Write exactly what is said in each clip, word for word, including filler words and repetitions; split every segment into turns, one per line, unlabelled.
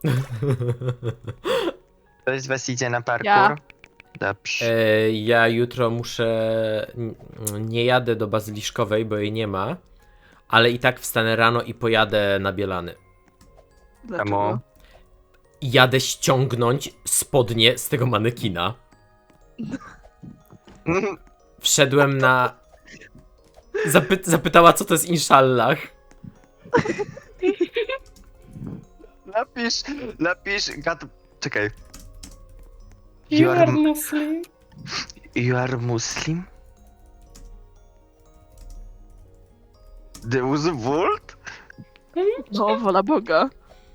Ktoś z was idzie na parkour?
Ja.
Dobrze.
E, ja jutro muszę. n- Nie jadę do Bazyliszkowej, bo jej nie ma. Ale i tak wstanę rano i pojadę na Bielany.
Dlaczego?
Jadę ściągnąć spodnie z tego manekina. Wszedłem na. Zapy... Zapytała, co to jest Inszallah.
Napisz, napisz, gad... Czekaj.
You are Muslim.
You are Muslim? There was a world?
No, wola Boga.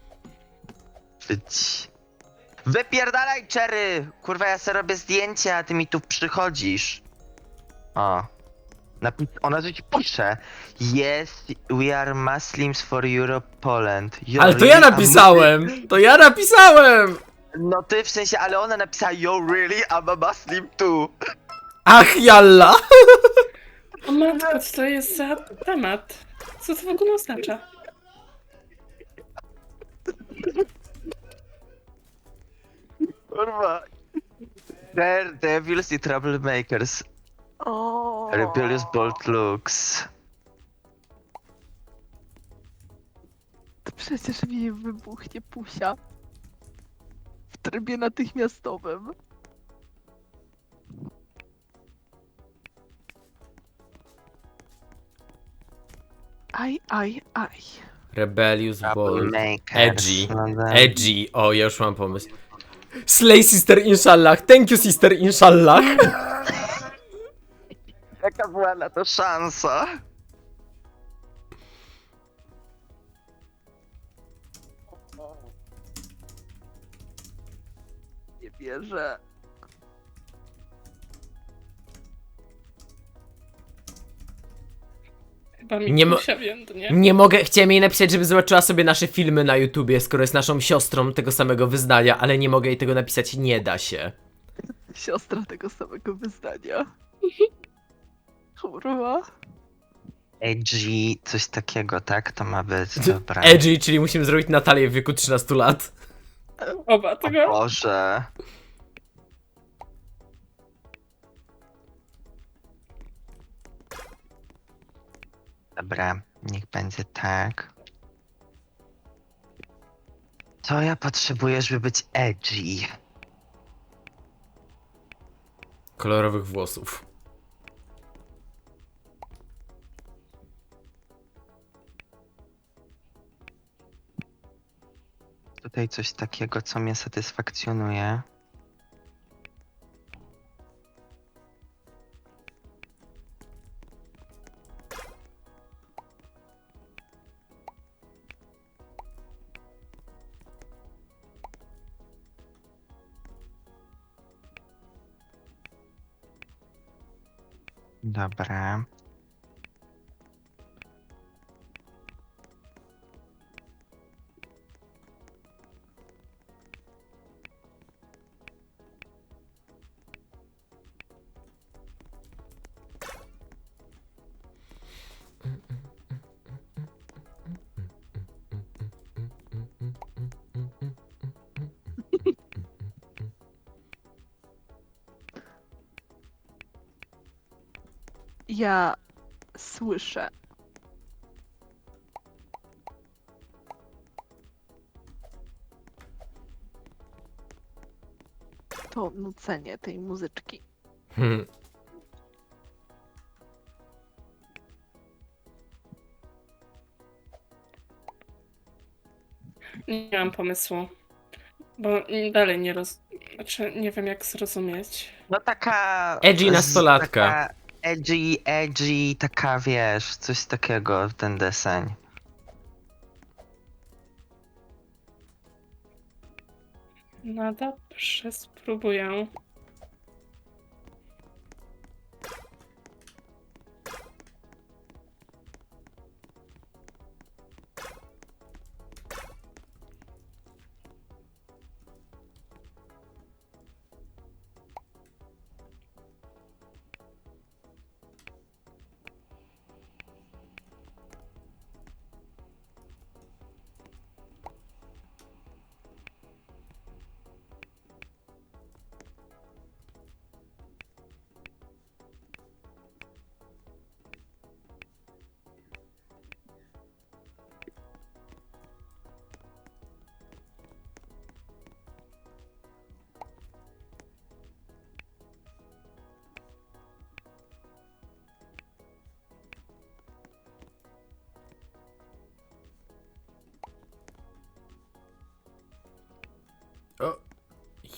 Być. Wypierdalaj, Cherry! Kurwa, ja sobie robię zdjęcia, a ty mi tu przychodzisz. O. Napi- ona coś pisze. Yes, we are Muslims for Europe, Poland. You're
Ale to ja
really a
napisałem! To ja napisałem!
Muslim? No ty w sensie, ale ona napisała yo really, I'm a Muslim too.
Ach, jalla!
O matko, co to jest za temat? Co to w ogóle oznacza?
Kurwa. Daredevils i troublemakers.
O.
Rebellious bold looks.
To przecież mi wybuchnie pusia. W trybie natychmiastowym. Aj, aj, aj.
Rebellious Bold.
Troublemakers.
Edgy.
No tak.
Edgy. O, ja już mam pomysł. Slay Sister Inshallah. Thank you Sister Inshallah.
Jaka była na to szansa?
Nie wierzę.
Chyba mi
Nie mo-
Kusia więdnie.
Nie mogę, chciałem jej napisać, żeby zobaczyła sobie nasze filmy na YouTubie, skoro jest naszą siostrą tego samego wyznania, ale nie mogę jej tego napisać, nie da się.
Siostra tego samego wyznania. Kurwa.
Edgy, coś takiego, tak? To ma być, dobra.
Edgy, czyli musimy zrobić Natalię w wieku trzynastu lat.
Oba
O
tego.
Boże. Dobra, niech będzie tak. Co ja potrzebuję, żeby być edgy?
Kolorowych włosów.
Tutaj coś takiego, co mnie satysfakcjonuje. Dobra.
Ja słyszę. To nucenie tej muzyczki.
Hmm.
Nie mam pomysłu. Bo dalej nie roz... Znaczy, nie wiem jak zrozumieć.
No taka...
Edgy
z-
nastolatka.
Taka edgy, edgy, taka wiesz, coś takiego, ten deseń.
No dobrze, spróbuję.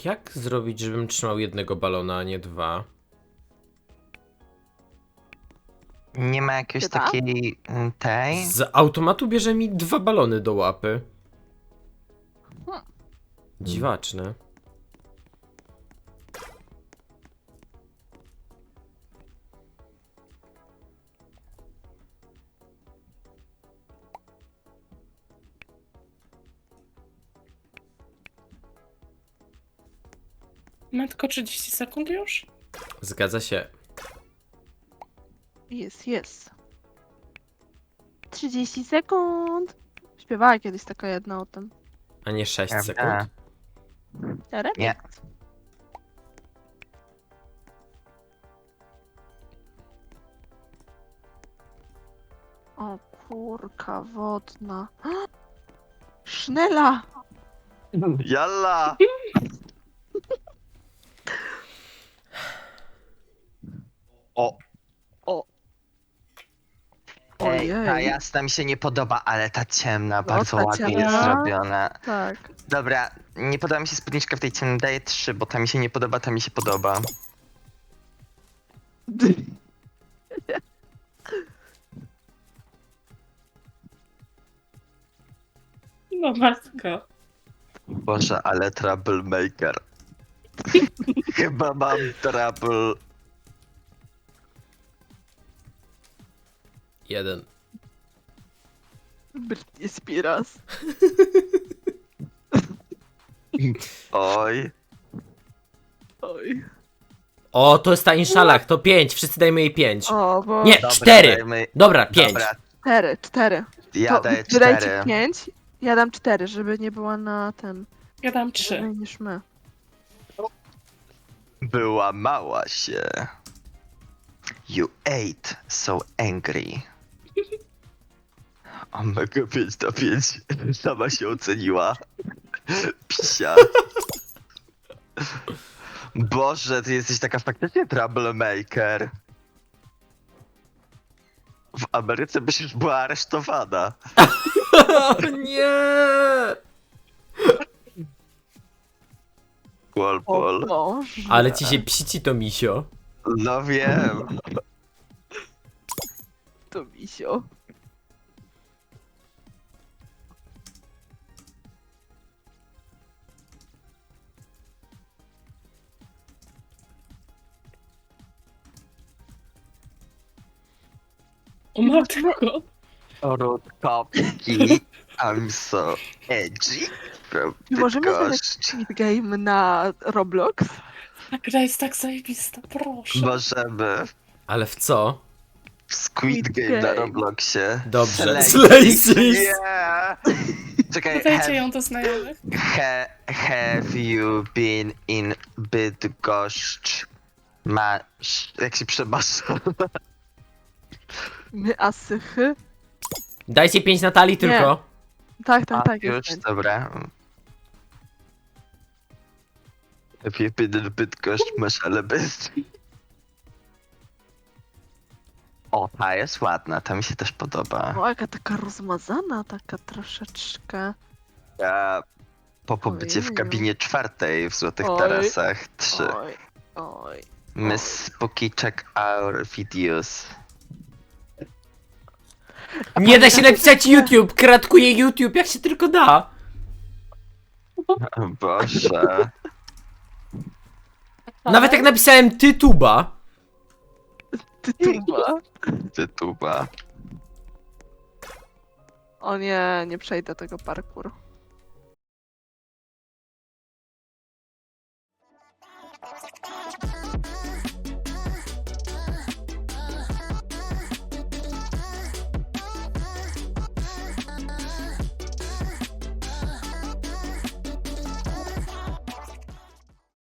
Jak zrobić, żebym trzymał jednego balona, a nie dwa?
Nie ma jakiejś
Chyba?
takiej mm, tej?
Z automatu bierze mi dwa balony do łapy.
Hmm.
Dziwaczne.
Ma tylko trzydzieści sekund już?
Zgadza się.
Jest, jest. trzydzieści sekund. Śpiewała kiedyś taka jedna o tym.
A nie sześć
Prawda.
sekund.
Remix.
Nie.
O kurka wodna. Sznela!
Jalla! O!
O.
Ej, ta
Ojej.
jasna mi się nie podoba, ale ta ciemna
No,
bardzo
ta
ładnie jest
ciemna.
zrobiona.
Tak.
Dobra, nie podoba mi się spódniczka w tej ciemnej, daję trzy, bo ta mi się nie podoba, ta mi się podoba.
No matko.
Boże, ale troublemaker. Chyba mam trouble.
Jeden.
Britney Spears.
Oj.
Oj.
O, to jest ta Inszalach, to pięć. Wszyscy dajmy jej pięć.
O, bo...
Nie,
Dobra,
cztery.
dajmy-
Dobra, pięć.
Dobra,
Cztery, cztery.
ja
To
daję
wydajcie
cztery.
pięć, ja dam cztery, żeby nie była na ten...
Ja dam trzy.
Mniej niż my.
Była mała się. You ate so angry. O mega pięć na pięć. Sama się oceniła. Psia. Boże, ty jesteś taka faktycznie troublemaker. W Ameryce byś już była aresztowana.
O nie!
Pol,
O
pol.
Boże.
Ale ci się psici to misio.
No wiem.
To misio.
O matko.
Rutkowski. I'm so edgy. From
Czy możemy zagrać
Bydgoszcz.
Squid Game na Roblox?
Ta gra jest tak zajebista, proszę.
Możemy.
Ale w co?
W Squid
Squid
Game na
Game.
Robloxie.
Dobrze.
Slay
Slay
Six.
Six.
Yeah. Czekaj,
Dodajcie
have,
ją do znajomych.
ha, have you been in Bydgoszcz? Masz... Jak się przemasza?
My asychy?
Dajcie pięć Natalii tylko.
Tak, tak,
A,
tak.
już,
jest pięć.
dobra. Have you been in Bydgoszcz? Masz, ale bez... O, ta jest ładna, ta mi się też podoba.
O, jaka taka rozmazana, taka troszeczkę.
Ja po pobycie w
Ojeju.
kabinie czwartej w Złotych
Oj.
Tarasach trzy.
Oj, oj.
Miss Spooky check our videos.
Nie da się napisać YouTube. Kratkuje YouTube, jak się tylko da.
O Boże.
Nawet jak napisałem tytuba.
Tytuba.
Tytuba.
O nie, nie przejdę tego parkour.